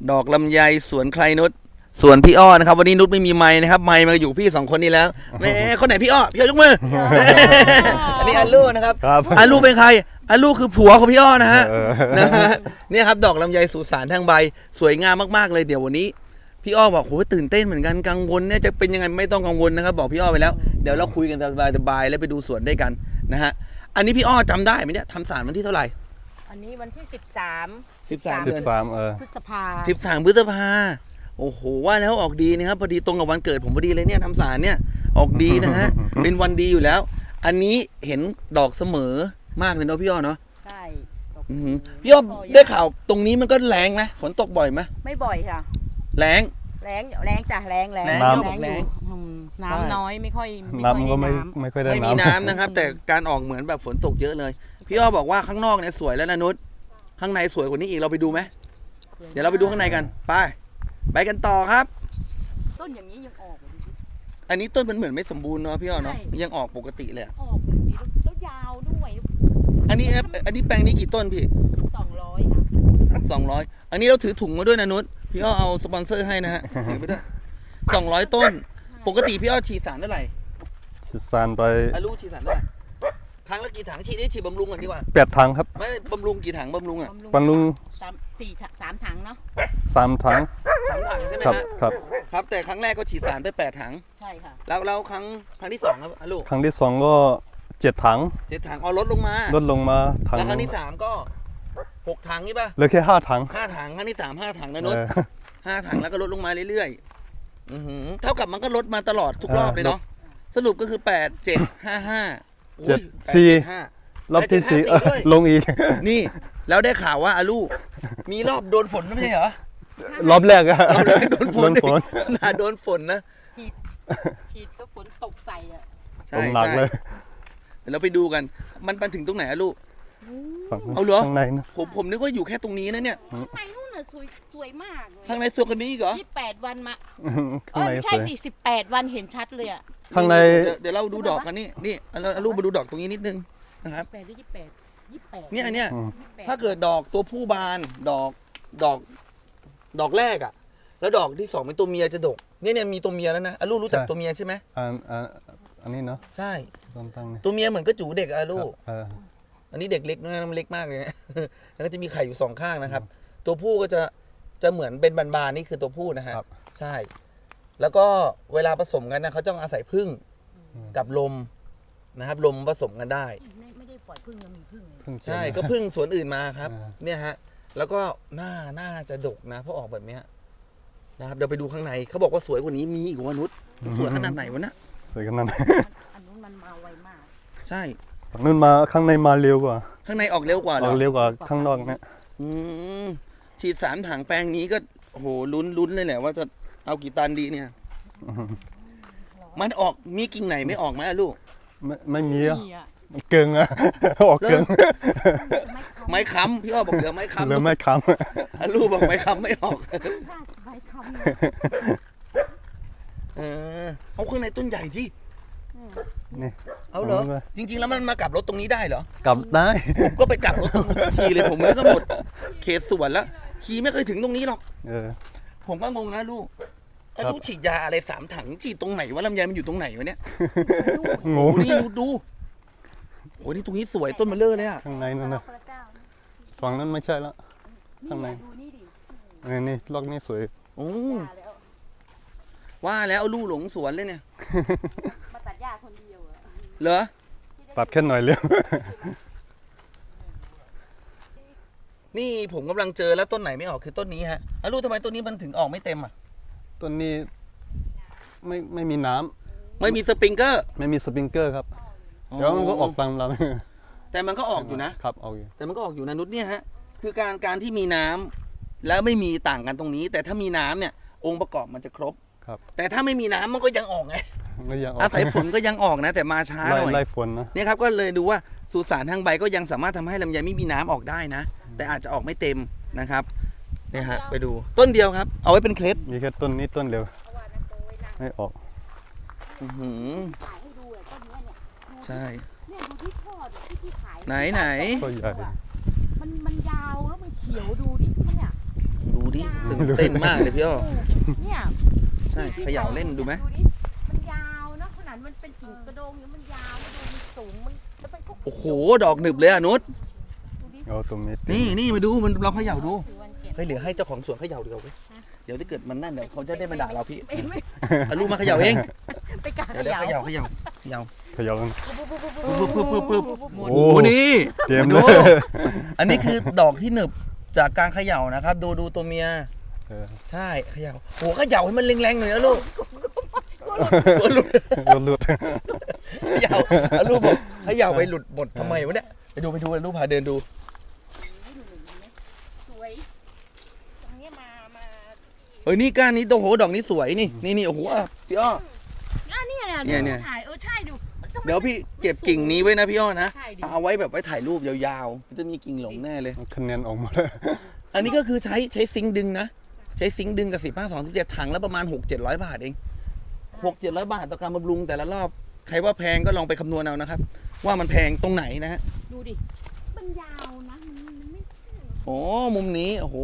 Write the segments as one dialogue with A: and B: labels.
A: ดอกลำไยสวนใครนุชส่วนพี่อ้อนะครับวันนี้นุชไม่มีไม้นะครับไม้มาอยู่พี่2คนนี้แล้วแม่คนไหนพี่อ้อยกมือ อันนี้อาลูนะครับอาลูเป็นใครอาลูคือผัวของพี่อ้อนะฮะนะฮะเนี่ยครับดอกลำไยสุสานทางใบสวยงามมากๆเลยเดี๋ยววันนี้พี่อ้อบอกโหตื่นเต้นเหมือนกันกังวลเนี่ยจะเป็นยังไงไม่ต้องกังวลนะครับบอกพี่อ้อไปแล้วเดี๋ยวเราคุยกันสบายๆแล้วไปดูสวนด้วยกันนะฮะอันนี้พี่อ้อจำได้ไหมเนี่ยทำสารวันที่เท่าไหร่
B: อันนี้วันที่13
A: 13
B: พฤษภา
A: 13 พฤษภาโอ้โหว่าแล้วออกดีนะครับพอดีตรงกับวันเกิดผมพอดีเลยเนี่ยทำสารเนี่ยออกดีนะฮะ เป็นวันดีอยู่แล้วอันนี้เห็นดอกเสมอมากเลยเนาะพี่อ้อเนาะ
B: ใช่
A: พี่อ้อได้ข่าวตรงนี้มันก็แรงไหมฝนตกบ่อยไหม
B: ไม่บ่อยค่ะ
A: แรง
B: จ้ะแรงน้ำน้อยไม่ค่อย
C: น้ำก็ไม่ค่อยได้
A: ไม่มีน้ำนะครับแต่การออกเหมือนแบบฝนตกเยอะเลยพี่อ้อบอกว่าข้างนอกเนี่ยสวยแล้วนะนุชข้างในสวยกว่านี้อีกเราไปดูไหมเดี๋ยวเราไปดูข้างในกันไปกันต่อครับ
B: ต้นอย่างนี้ยังออก
A: อันนี้ต้นมันเหมือนไม่สมบูรณ์เนาะพี่อ้อเนาะยังออกปกติเลย
B: ออกดีแล้วยาวด้วย
A: อันนี้แปลงนี้กี่ต้นพี่
B: 200ค่ะ
A: 200อันนี้เราถือถุงมาด้วยนะนุชพี่อ้อเอาสปอนเซอร์ให้นะฮะถือไปด้วย200 ต้นปกติพี่อ้อฉีดสารเท่าไหร่
C: ฉีดสารไป
A: ลูกฉีดสารเท่าไหร่ครั้งละกี่ถังฉีดบำรุงกันดีกว่า
C: 8 ถังครับ
A: ไม่บำรุงกี่ถังบำรุงอ่ะ
C: บำรุง
B: 3 ถังเนาะ
C: 3 ถัง
A: ใช่ไหมครับแต่ครั้งแรกก็ฉีดสารไป8 ถัง
B: ใช่ค่ะ
A: แล้วครั้งที่2ครับลูก
C: ครั้งที่2ก็7 ถัง
A: ลดลงมา
C: ถัง
A: แล้วครั้งที่3ก็6 ถังนี่ป่ะ
C: เหลือแค่5 ถัง
A: ครั้งที่3 5 ถังนะนุช5 ถังแล้วก็ลดลงมาเรื่อยๆเท่ากับมันก็ลดมาตลอดทุกรอบเลยเนาะสรุปก็คือ8 7 5 5
C: 4รอบที่4ลงอีก
A: นี่แล้วได้ข่าวว่าอาลูมีรอบโดนฝนไม่ใช่เหรอ
C: รอบแรกอะ
A: โดนฝนโดนฝนนะ
B: ฉีดก็ฝนตกใส่อ่ะ
A: ใช่หนักเลยเราไปดูกันมันถึงตรงไหนอะลูกเอาเหรอ
C: ข้างในนะ
A: ผมนึกว่าอยู่แค่ตรงนี้นะเนี่ย
B: ข้างในนู่นน่ะสวยมาก
A: ข้างในสวยกว่านี้อีกเหรอ
B: 28 วันมาไม่ใช่48 วันเห็นชัดเลยอ่ะ
C: ข้างใน
A: เดี๋ยวเราดูดอกกันนี่เอาลูกมาดูดอกตรงนี้นิดนึงนะครับ
B: 28
A: เนี่ยอันเนี้ยถ้าเกิดดอกตัวผู้บานดอกแรกอ่ะแล้วดอกที่2เป็นตัวเมียจะดกเนี่ยมีตัวเมียแล้วนะลูกรู้จักตัวเมียใช่ไหม
C: อันนี้เนาะ
A: ใช่ตัวเมียเหมือนกระจูเด็กลูกอันนี้เด็กเล็กนะมันเล็กมากเลยนะแล้วก็จะมีไข่อยู่2 ข้างนะครับตัวผู้ก็จะเหมือนเป็นบานๆนี่คือตัวผู้นะฮะใช่แล้วก็เวลาผสมกันนะเขาต้องอาศัยผึ้งกับลมนะครับลมผสมกันได้
B: ไม่ได้ปล่อยผึ้งมีผึ้ง
A: ใช่ก็ผึ้งสวนอื่นมาครับเนี่ยฮะแล้วก็น่าจะดกนะเพราะออกแบบเนี้ยนะครับเดี๋ยวไปดูข้างในเขาบอกว่าสวยกว่านี้มีอีกว่านุชสวยขนาดไหนวะนะ
C: สวยขนาดไหน
B: อันนู้นมันมาไวมาก
A: ใช่
C: นู่นมาข้างในมาเร็วกว่า
A: ข้างในออกเร็วกว่า
C: ออกเร็วกว่าข้างนอกเนี่ย
A: ฉีด3 ถังแปลงนี้ก็โอ้โหลุ้นเลยแหละว่าจะเอากี่ตันดีเนี่ยมันออกมีกิ่งไหนไม่ออกไหมลูก
C: ไม่มีอ่ะเกิงอะออกเกิง
A: ไม้ค้ำพี่อ้อบอกเหลือไม้ค้ำ
C: เหลือไม้ค้ำ
A: ลูกบอกไม้ค้ำไม่ออก
B: ไม้ค้
A: ำเอาข้างในต้นใหญ่ที่
C: นี่
A: เอาเหรอจริงๆแล้วมันมากลับรถตรงนี้ได้เหรอก
C: ลับได้
A: ผมก็ไปกลับรถตรงทีเลยผมก็หมดเขตสวนแล้วขี่ไม่เคยถึงตรงนี้หรอกผมก็งงนะลูกลูกฉีดยาอะไร3 ถังฉีดตรงไหนวะลำไยมันอยู่ตรงไหนวะเนี่ย
C: งง
A: นี่ดูโอ้นี่ตรงนี้สวยต้นมะเลื่อเลยอะ
C: ข้างในนั่นนะฝั่งนั้นไม่ใช่แล้วข้างในนี่ล็อกนี่สวย
A: โอ้ว่าแล้วเอาลูกหลงสวนเลยเนี่ย
B: มาตัดหญ้าคนเดียว
A: เหรอ
C: ตัดแค่หน่อยเดียว
A: นี่ผมกำลังเจอแล้วต้นไหนไม่ออกคือต้นนี้ฮะลูกทำไมต้นนี้มันถึงออกไม่เต็มอ่ะ
C: ต้นนี้ไม่มีน้
A: ำไม่มีสปริงเกอร์
C: ครับเดี๋ยวมันก็ออกตามเรา
A: แต่มันก็ออกอยู่นะครับ
C: ออกอยู่
A: แต่มันก็ออกอยู่นะนุชเนี่ยฮะคือการที่มีน้ำแล้วไม่มีต่างกันตรงนี้แต่ถ้ามีน้ำเนี่ยองค์ประกอบมันจะครบแต่ถ้าไม่มีน้ำมันก็ยังออกไงอาศัยฝนก็ยังออกนะแต่มาช้าหน่อย
C: ไล่ฝนนะ
A: เนี่ยครับก็เลยดูว่าสุสานทางใบก็ยังสามารถทำให้ลำไยไม่มีน้ำออกได้นะแต่อาจจะออกไม่เต็มนะครับเนี่ยฮะไปดูต้นเดียวครับเอาไว้เป็นเคล็ด
C: มีแค่ต้นนี้ต้นเดียวไม่ออก
A: ใช่
B: เนี่ยดูที่ทอดที่ขาย
A: ไหน
C: ก็ใหญ่
B: มันยาวแล้วมันเขียวดูดิเนี่ย
A: ดูดิตื่นเต้นมากเลยพี่อ้อ
B: เนี่ย
A: ใช่เขย่าเล่นดูไหม
B: ดิมันยาวเนาะขนาดมันเป็นกิ่งกระโดงเนี่ยมันยาวแล้วดูมันสูงมันแล้วมันก็
A: โอ้โหดอกหนึบเลยอ่ะนุช
B: ดูดิ
C: เอาตรงนี้
A: นี่มาดูมันเราเขย่าดู
B: ถือวันเก็บ
A: เฮ้ยเหลือให้เจ้าของสวนเขย่าดีกว่าเว้ยเดี๋ยวถ้าเกิดมันนั่นเดี๋ยวเขาจะได้มาด่าเราพี่
B: ไม่
A: เอาลูกมาเขย่าเอง
B: ไปกา
A: เดี๋ยวเขย่า
C: เขย่ากัน
A: ปึ๊บ
C: โอ้
A: โอ้โหนี่
C: เตรียม
A: ดู
C: เลย
A: อันนี้คือดอกที่หนึบจากการเขย่านะครับดูตัวเมีย
C: เออ
A: ใช่เขย่าโอ้เขย่าให้มันแรงๆหน่อยนะลูกตัวหลุด
C: หลุด
A: เขย่าเอาลูกบอกเขย่าไปหลุดหมดทำไมวะเนี่ยไปดูลูกพาเดินดู
B: สวยตรงนี้มา
A: เฮ้ยนี่ก้านนี้โอ้โหดอกนี้สวยนี่โอ้โหอ่ะพี่อ้อ
B: เนี่ยถ่ายใช่ดู
A: เดี๋ยวพี่เก็บกิ่งนี้ไว้นะพี่อ้อนะ
B: ใช่ดิ
A: เอาไว้แบบไว้ถ่ายรูปยาวๆมันจะมีกิ่งหลงแน่เลย
C: คะแนนออกมาแล้ว
A: อันนี้ก็คือใช้ซิงค์ดึงนะใช้ซิงค์ดึงกับ15-2-17ถังแล้วประมาณ 600-700 บาทเอง600-700 บาทต่อการบำรุงแต่ละรอบใครว่าแพงก็ลองไปคำนวณเอานะครับว่ามันแพงตรงไหนนะฮะ
B: ดูดิมันยาวนะมันไม่
A: โอ้มุมนี้โอ้โห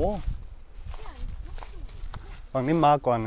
C: ฝั่งนี้มาก่อนนะ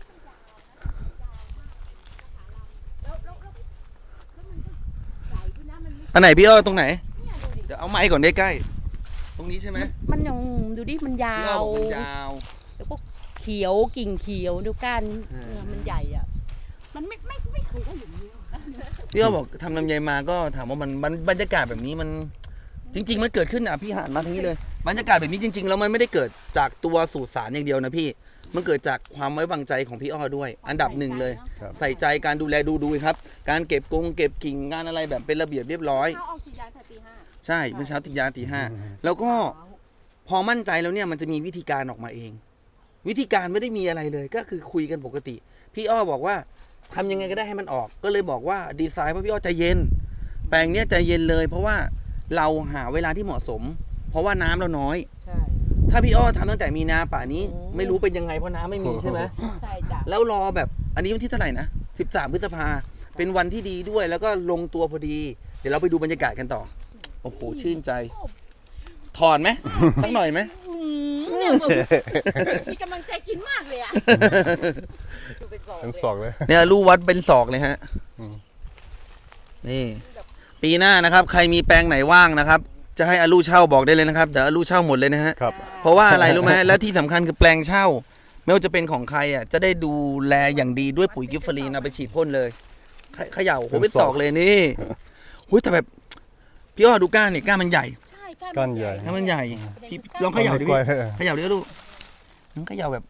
B: แล้วมันก็ใหญ่ด้วยนะมันไม่
A: อันไหนพี่อ้อตรงไหน
B: เนี่ยดูดิ
A: เดี๋ยวเอาไม้ก่อนใกล้ๆตรงนี้ใช่ไหม
B: มันยังดูดิมันยา
A: พี่อ้อ
B: ว
A: บอกมันยาว
B: แล้วก็เขียวกิ่งเขียวดูก้าน
A: อ่า
B: มันใหญ่อ่ะมันไม่เคยได้อย่างนี้
A: พี่อ้อบอกทำลำไยมาก็ถามว่ามันบรรยากาศแบบนี้มันจริง ๆ มันเกิดขึ้นอ่ะพี่หันมาทางนี้เลยบรรยากาศแบบนี้จริง ๆ แล้วมันไม่ได้เกิดจากตัวสูตรสารอย่างเดียวนะพี่มันเกิดจากความไว้วางใจของพี่อ้อด้วย อันดับหนึ่งเลย ใส่ใจการดูแลดูครับ การเก็บกิ่งงานอะไรแบบเป็นระเบียบเรียบร้อย
B: เขาออกสียาแต่ตี 5
A: ใช่เมื่อเช้าติดยาตี 5แล้วก็พอมั่นใจแล้วเนี่ยมันจะมีวิธีการออกมาเอง วิธีการไม่ได้มีอะไรเลยก็คือคุยกันปกติ พี่อ้อบอกว่าทำยังไงก็ได้ให้มันออก ก็เลยบอกว่าดีไซน์เพราะพี่อ้อใจเย็น แปลงเนี้ยใจเย็นเลย เพราะว่าเราหาเวลาที่เหมาะสม เพราะว่าน้ำเราน้อย
B: ใช่
A: ถ้าพี่อ้อทำตั้งแต่มีนาป่านี้
B: โอ้
A: ไม่รู้เป็นยังไงเพราะน้ำไม่มีใช่ไหม
B: ใช่จ้ะ
A: แล้วรอแบบอันนี้วันที่เท่าไหร่นะ13 พฤษภาเป็นวันที่ดีด้วย แล้วก็ลงตัวพอดี เดี๋ยวเราไปดูบรรยากาศกันต่อ โอ้โหชื่นใจ ถอนไหมสักหน่อยไหม
B: เนี่ยเหมือนมีกำลังใจกินมากเลยอ่ะดูไปก่อน
C: เป็นศอกเลย
A: เนี่ยลูกวัดเป็นศอกเลยฮะ
C: อืม
A: นี่ ปีหน้านะครับ ใครมีแปลงไหนว่างนะครับ จะให้อาลูเช่าบอกได้เลยนะครับเดี๋ยวอาลูเช่าหมดเลยนะฮะ
C: ครับ
A: เพราะว่าอะไรรู้ไหม และที่สำคัญคือแปลงเช่า ไม่ว่าจะเป็นของใครอ่ะจะได้ดูแลอย่างดีด้วยปุ๋ยกิฟเฟอรีนเอาไปฉีดพ่นเลยเขย่าโอ้โหเป็นศอกเลยนี่หุ้ยแต่แบบพี่อ้อดูก้านนี่ก้านมันใหญ่
B: ใช่
C: ก้านใหญ่
A: ก้านมันใหญ่พี่ลองเขย่าดิ
C: กล้
A: พี่
C: วย
A: เขย่าดิลูกเขย่าแบบ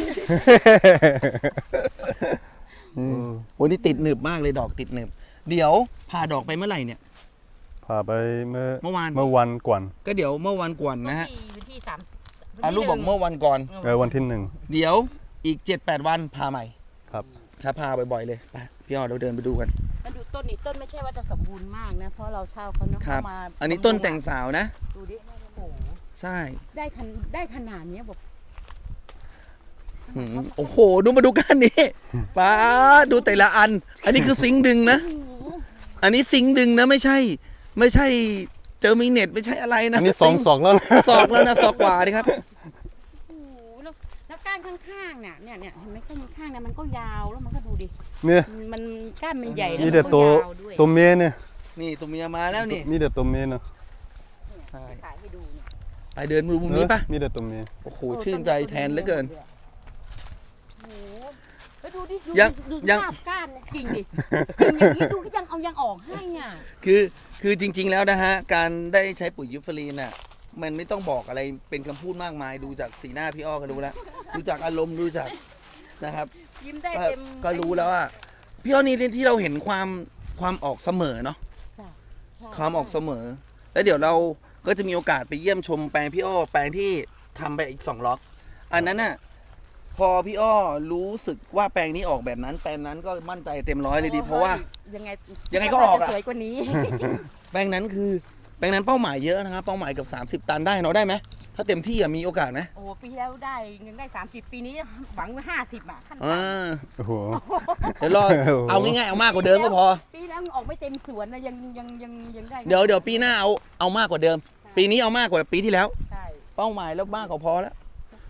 C: อืม
A: โอ้นี่ติดหนึบมากเลยดอกติดหนึบเดี๋ยวผ่าดอกไปเมื่อไหร่เนี่ย
C: พาไปเมื่อ
A: วาน
C: เมื่อวันก่อน
A: ก็เดี๋ยวเมื่อวันก่อนนะฮะ
B: วันที่3
A: อาลูกบอกเมื่อวันก่อน
C: วันที่หนึ่ง
A: เดี๋ยวอีก 7-8 วันพาใหม่
C: ครับ
A: ครับพาบ่อยๆเลยไปพี่อ้อเราเดินไปดูกัน
B: มันดูต้นนี่ต้นไม่ใช่ว่าจะสมบูรณ์มากนะเพราะเราเช่าเขาเนาะ
A: ครับ
B: เขามา
A: อันนี้ต้นแต่งสาวนะ
B: ดูดิโอ้โห
A: ใช่
B: ได้ขนาดเนี้ยบอก
A: หืมโอ้โหดูมาดูกันนี่ป้าดูแต่ละอัน อันนี้คือซิงค์ดึงนะ
B: โอ้โห
A: อันนี้ซิงค์ดึงนะไม่ใช่เจอมีเน็ตไม่ใช่อะไรนะ
C: อันนี้สองศอกแล้วนะ
A: ศอกแล้วนะศอกกว่าดิครับ
B: โอ้โหแล้วก้านข้างๆเนี่ยเห็นไหมก้านข้างๆเนี่ยมันก็ยาวแล้วมันก็ดูดิ
C: เนี่ย
B: มันก้านมันใหญ่แล้ว
C: มี
B: มัน
C: แต่
B: ก็
C: ตัวย
B: าวด้วย
C: ตัวเมียเนี่ย
A: นี่ตัวเมียมาแล้วนี่
C: มีแต่ตัวเมียเนาะ
A: ใช่
B: ถ่ายให้ดูเนี่ย
A: ไปเดินดูมุมนี้ปะ
C: มีแต่ตัวเมีย
A: โอ้โหชื่นใจแทนเหลือเกิน
B: โอ้โหแล้วดูดิ
A: ยัง
B: ดู
A: ยัง
B: ภาพก้านเนี่ยกิ่งดิกิ่งอย่างนี้ดูยังออกให้อ่ะ
A: คือจริง ๆ แล้วนะฮะ การได้ใช้ปุ๋ยยูฟรีนน่ะมันไม่ต้องบอกอะไรเป็นคำพูดมากมายดูจากสีหน้าพี่อ้อก็รู้แล้วดูจากอารมณ์ดูจากนะครับ
B: ยิ้มได้
A: ก็
B: เต็ม
A: ก็รู้แล้วว่าพี่อ้อนี่ที่เราเห็นความออกเสมอเนาะ
B: ใช่
A: ความออกเสมอ แล้วเดี๋ยวเราก็จะมีโอกาสไปเยี่ยมชมแปลงพี่อ้อแปลงที่ทำไปอีก2 ล็อกอันนั้นน่ะพอพี่อ้อรู้สึกว่าแปลงนี้ออกแบบนั้นแปลงนั้นก็มั่นใจเต็มร้อยเลยดีเพราะว่า
B: ยังไง
A: ยังไงก็ออกอะ
B: สวยกว่านี้
A: แปลงนั้นคือแปลงนั้นเป้าหมายเยอะนะครับเป้าหมายเกับ30 ตันได้เนาะได้ไหมถ้าเต็มที่อะมีโอกาสไหม
B: โอ้ปีแล้วได้ยังได้30 ปีนี้หวังไว้50อ่ะขั้น
A: อ่า
B: ต่ำ
C: โอ้โห
A: เดี๋ยวรอเอาง่ายๆเอามากกว่าเดิมก็พอ
B: ปีแล้วออกไม่เต็มสวนนะยังได้
A: เดี๋ยวปีหน้าเอามากกว่าเดิม ปีนี้เอามากกว่าปีที่แล้ว
B: ใช่
A: เป้าหมายแล้วมากกว่าพอแล้ว
B: โอ้โห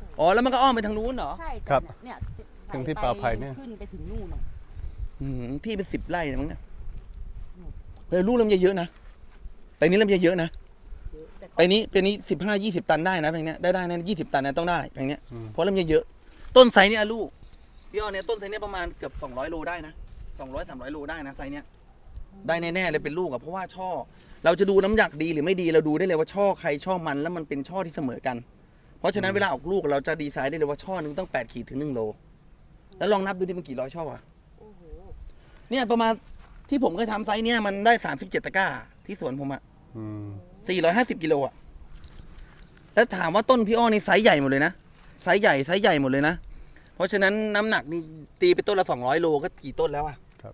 A: อ๋อแล้วมันก็อ้อมไปทางนู้นเหรอ
B: ใช่
C: ครับ
B: เนี่ย
C: ถึงที่ป่าไผ่เนี่ย
B: ขึ้นไปถึงนู่นน่ะ
A: ที่เป็น10 ไร่นะมั้งเนี่ยลูกลำไยเยอะนะไปนี้ลำไยเยอะนะ
B: แต่ก็
A: ไปนี้15-20 ตันได้นะแปลงเนี้ยได้นะ20 ตันนะต้องได้แปลงเนี้ย
C: อืม
A: เพราะลำไยเยอะ ต้นไซส์เนี่ยลูกพี่อ้อเนี่ยต้นไซส์เนี่ยประมาณเกือบ200 โลได้นะ200-300 โลได้นะไซส์เนี้ยได้แน่ๆเลยเป็นลูกอะเพราะว่าช่อเราจะดูน้ำหนักดีหรือไม่ดีเราดูได้เลยว่าช่อใครช่อมันแล้วมันเป็นช่อที่เสมอกัน เพราะฉะนั้นเวลาออกลูกเราจะดีไซน์ได้เลยว่าช่อนึงต้อง8 ขีดถึง1 โลแล้วลองนับดูดิมันกี่ร้อยช่ออะ
B: โอ้โห
A: เนี่ยประมาณที่ผมเคยทำไซส์เนี่ยมันได้37 ตะกร้าที่สวนผมอะ
C: อืม
A: 450 กิโลอะแล้วถามว่าต้นพี่อ้อนี่ไซส์ใหญ่หมดเลยนะไซส์ใหญ่หมดเลยนะเพราะฉะนั้นน้ำหนักนี่ตีไปต้นละ200 โลก็กี่ต้นแล้วอะ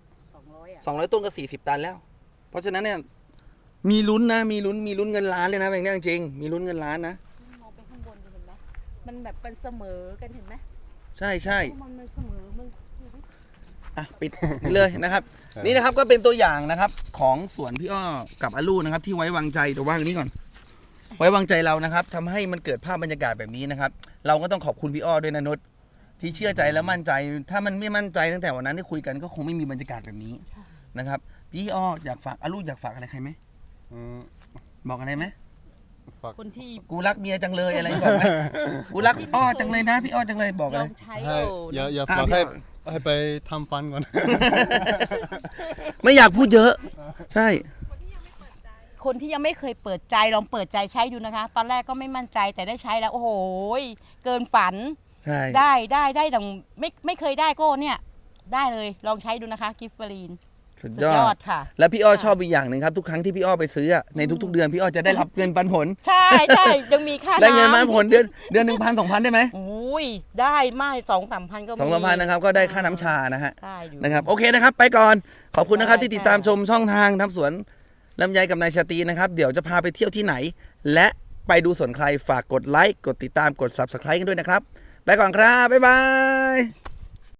B: 200อ่ะ
A: 200 ต้นก็40 ตันแล้ว เพราะฉะนั้นเนี่ยมีลุ้นนะมีลุ้นเงินล้านเลยนะแบบนี้จริงๆมีลุ้นเงินล้านนะ
B: มองไปข้างบนดิเห็นไหมมันแบบเป็นเสมอกันเห็นไหม
A: ใช่
B: มันเสมอมึงดูดิ
A: อ่ะปิดเลยนะครับ นี่นะครับก็เป็นตัวอย่างนะครับของสวนพี่อ้อกับอาลูนะครับที่ไว้วางใจเดี๋ยวว่างนี้ก่อน ไว้วางใจเรานะครับทำให้มันเกิดภาพบรรยากาศแบบนี้นะครับ เราก็ต้องขอบคุณพี่อ้อด้วยนะนุชที่เชื่อใจและมั่นใจ ถ้ามันไม่มั่นใจตั้งแต่วันนั้นที่คุยกันก็คงไม่มีบรรยากาศแบบนี้นะครับพี่อ้ออยากฝากอาลูอยากฝากอะไรใครไหม
C: อืม
A: บอกอะไรไหม
C: ฝาก
B: คนที่
A: กูรักเมียจังเลยอะไรบอกไหมกูรักอ้อจังเลยนะพี่อ้อจังเลยบอก
B: ล
A: อะไร
B: องใช้
C: ให้อย่า
A: อ่ะ
C: ฝาก
A: พี่
C: ให้
A: อ้อ
C: ให้ไปทำฟันก่อน
A: ไม่อยากพูดเยอะ ใช่
B: คนที่ยังไม่เคยเปิดใจลองเปิดใจใช้ดูนะคะ ตอนแรกก็ไม่มั่นใจแต่ได้ใช้แล้วโอ้โหเกินฝัน
A: ใช่
B: ได้ดังไม่เคยได้ก็เนี่ยได้เลยลองใช้ดูนะคะกิฟต์ฟรีน
A: สุด
B: สุด
A: ยอย
B: อ
A: ด
B: ดค่ะ
A: แล้วพี่อ้อชอบอีกอย่างหนึ่งครับทุกครั้งที่พี่อ้อไปซื้ออะในทุก ๆ เดือนพี่อ้อจะได้รับเงินปันผล
B: ใช่ยังมีค่า
A: ได้เงินปัน
B: น้ำ
A: ผลเดือน1,000-2,000ได้ไหม
B: อุ้ยได้มาก2-3 พันก็มี
A: 2-3,000นะครับก็ได้ค่าน้ำชานะฮะ
B: ได้อยู่
A: นะครับโอเคนะครับไปก่อนขอบคุณนะครับ
B: ได้
A: ที่ติดตาม
B: ค่ะ
A: ชมช่องทางทำสวนลำไยกับนายชาตรีนะครับเดี๋ยวจะพาไปเที่ยวที่ไหน และไปดูสวนใครฝากกดไลค์กดติดตามกด Subscribe กันด้วยนะครับไปก่อนครับบ๊ายบาย